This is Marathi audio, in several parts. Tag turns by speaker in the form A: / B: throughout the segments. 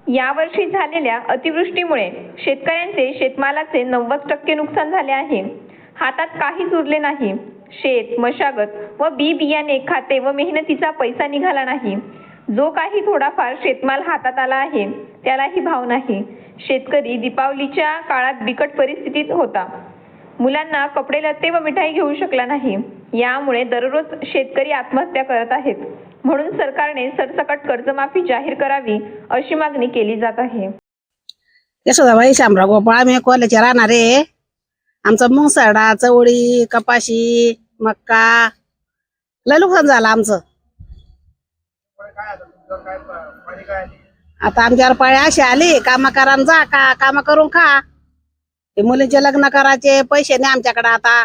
A: यावर्षी झालेल्या अतिवृष्टीमुळे शेतकऱ्यांचे शेतमालाचे 90% नुकसान झाले आहे. हातात काहीच उरले नाही. शेत, मशागत व बी बियाणे, खाते व मेहनतीचा पैसा निघाला नाही. जो काही थोडाफार शेतमाल हातात आला आहे त्यालाही भाव नाही. शेतकरी दीपावलीच्या काळात बिकट परिस्थितीत होता. मुलांना कपडे लत्ते व मिठाई घेऊ शकला नाही. यामुळे दररोज शेतकरी आत्महत्या करत आहेत. म्हणून सरकारने सरसकट कर्जमाफी जाहीर करावी अशी मागणी केली जात आहे.
B: यशोदाबाई शामराव गोपाळ, आम्ही कोल्याचे राहणारे. आमचं मुंगसडा, चवळी, कपाशी, मक्का लय नुकसान झालं आमचं. आता आमच्यावर पाळी अशी आली, काम करा जा का काम करून खा. ते मुलींचे लग्न करायचे पैसे नाही आमच्याकडे. आता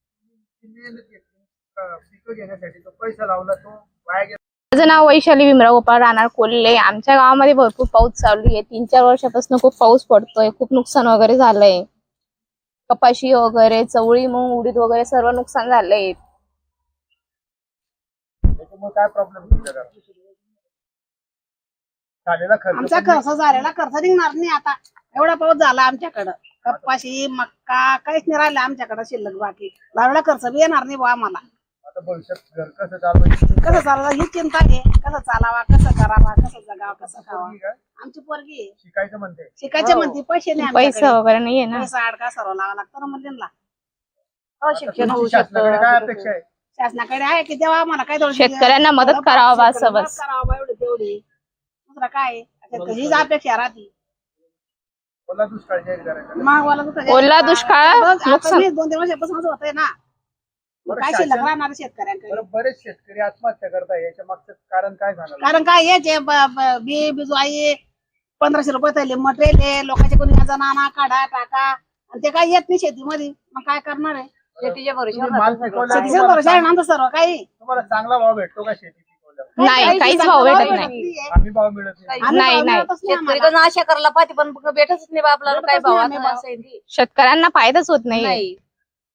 C: माझं नाव वैशाली भीमराव गोपाळ, राहणार कोल्हे. आमच्या गावामध्ये भरपूर पाऊस चालू आहे. 3-4 वर्षापासून खूप पाऊस पडतोय. खूप नुकसान वगैरे झालंय. कपाशी वगैरे, चवळी, मूग, उडीद वगैरे सर्व नुकसान झालंय.
B: आमचा खर्च झालेला खर्च निघणार नाही. आता एवढा पाऊस झाला आमच्याकडं. कपाशी, मक्का काहीच नाही राहिलं आमच्याकडे शिल्लक. बाकी लावलेला खर्च बी येणार नाही बा आम्हाला. कसं चालवा ही चिंता आहे. कसं चालावा, कसं करावा, कसं जगावा, कसं खावा. आमची पोरगी शिकायचे म्हणते, पैसे नाही,
C: पैसा वगैरे नाहीये ना.
B: पैसा अडका सर्व लावा लागतं ना मुलींना. शासनाकडे आहे की तेव्हा आम्हाला काय
C: शेतकऱ्यांना मदत करावा असं बस.
B: करावा एवढी तेवढी. दुसरा काय हीच अपेक्षा राहते.
C: ओला दुष्काळ नुकसान
B: 2-3 वर्षापासून होतंय ना. काय शिल्लक राहणार शेतकऱ्यांकडे.
D: बरेच शेतकरी आत्महत्या करताय. याच्या मागचं कारण काय झालं?
B: कारण काय याचे बी बिजवाई 1500 रुपये थैली मटेरियल लोकांचे कोणी नाना काढा टाका आणि ते काय येत नाही शेतीमध्ये. मग काय करणार आहे? शेतीच्या भरोशावर आहे ना सर्व काही.
D: तुम्हाला चांगला भाव भेटतो का शेती पिकवल्यावर?
C: नाही, काहीच भाव भेटत नाही.
D: आम्ही भाव मिळत नाही.
C: नाही
E: शेतकरी आशा करायला पाहते पण भेटतच नाही आपल्याला. काय भाव आता
C: शेतकऱ्यांना फायदाच होत नाही.